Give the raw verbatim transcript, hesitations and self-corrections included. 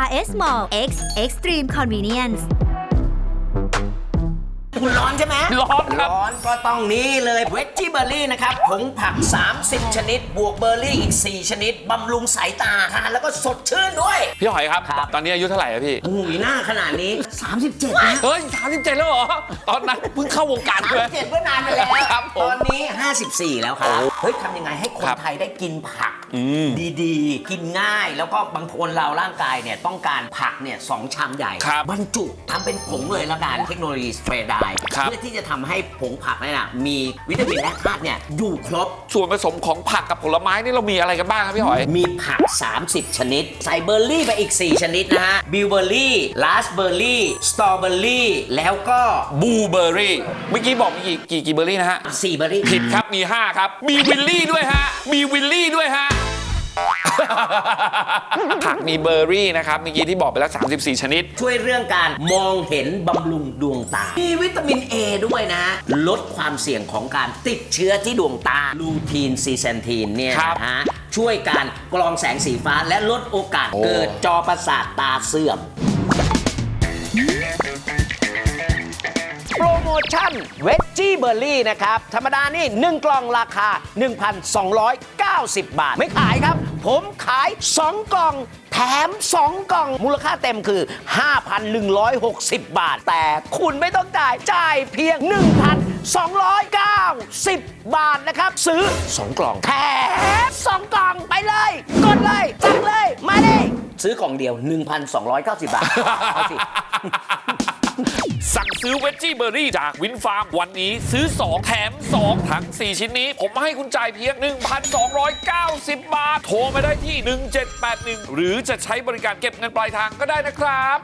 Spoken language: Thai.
อาร์ เอส Mall X Extreme Convenience คุณร้อนใช่ไหมร้อนครับร้อนก็ต้องนี่เลยเวจจี้เบอร์รี่นะครับผงผักสามสิบชนิด บวกเบอร์รี่อีกสี่ชนิดบำรุงสายตาทานแล้วก็สดชื่นด้วยพี่หอยครับครับตอนนี้อายุเท่าไหร่อะพี่โอ้ยหน้าขนาดนี้สามสิบเจ็ดนะเฮ้ยสามสิบเจ็ดแล้วเหรอ ตอนนั้นเพิ่งเข้าวงการสามเลสิยบเจ็ดเมื่อนานไปแล้วครับผมตอนนี้ห้าสิบสี่แล้วครับ เฮ้ยทำยังไงให้คนครับไทยได้กินผักอืมดีๆ กินง่ายแล้วก็บางคนเราร่างกายเนี่ยต้องการผักเนี่ยสองชามใหญ่ครับบรรจุทำเป็นผงเลยละกันเทคโนโลยีสเปรย์ไดร์ครับเพื่อที่จะทำให้ผงผักเนี่ยนะมีวิตามินและธาตุเนี่ยอยู่ครบส่วนผสมของผักกับผลไม้นี่เรามีอะไรกันบ้างครับพี่หอยมีผัก สามสิบ ชนิด ใส่เบอร์รี่ไปอีก สี่ ชนิดนะฮะ บิวเบอร์รี่ลาสเบอร์รี่ สตรอเบอร์รี่ แล้วก็บูเบอร์รี่ เมื่อกี้บอกมีกี่กี่กี่เบอร์รี่นะฮะสี่เบอร์รี่ผิดครับมีห้าครับ มีวิลลี่ด้วยฮะ มีวิลลี่ด้วยฮะ ผักมีเบอร์รี่นะครับ เมื่อกี้ที่บอกไปแล้วสามสิบสี่ชนิดช่วยเรื่องการมองเห็นบำรุงดวงตา มีวิตามิน A ด้วยนะ ลดความเสี่ยงของการติดเชื้อที่ดวงตา ลูทีนซีเซนทีนเนี่ยครับนะฮะ ช่วยการกรองแสงสีฟ้าและลดโอกาสโอ้เกิดจอประสาทตาเสื่อม โปรโมชั่นเวจจี้เบอร์รี่นะครับ ธรรมดานี่ หนึ่ง กล่องราคา หนึ่งพันสองร้อยเก้าสิบ บาท ไม่ขายครับ ผมขาย สอง กล่อง แถม สอง กล่อง มูลค่าเต็มคือ ห้าพันหนึ่งร้อยหกสิบ บาท แต่คุณไม่ต้องจ่าย จ่ายเพียง หนึ่งพันสองร้อยเก้าสิบ บาทนะครับ ซื้อ สอง กล่อง แถม สอง กล่องไปเลย กดเลยสั่งเลย มาเลย ซื้อกล่องเดียว หนึ่งพันสองร้อยเก้าสิบ บาท เอาสิสั่งซื้อเวจจี้เบอร์รี่จากวินฟาร์มวันนี้ซื้อ สอง แถม สอง ทั้ง สี่ ชิ้นนี้ ผมให้คุณจ่ายเพียง หนึ่งพันสองร้อยเก้าสิบ บาท โทรมาได้ที่ หนึ่งเจ็ดแปดหนึ่ง หรือจะใช้บริการเก็บเงินปลายทางก็ได้นะครับ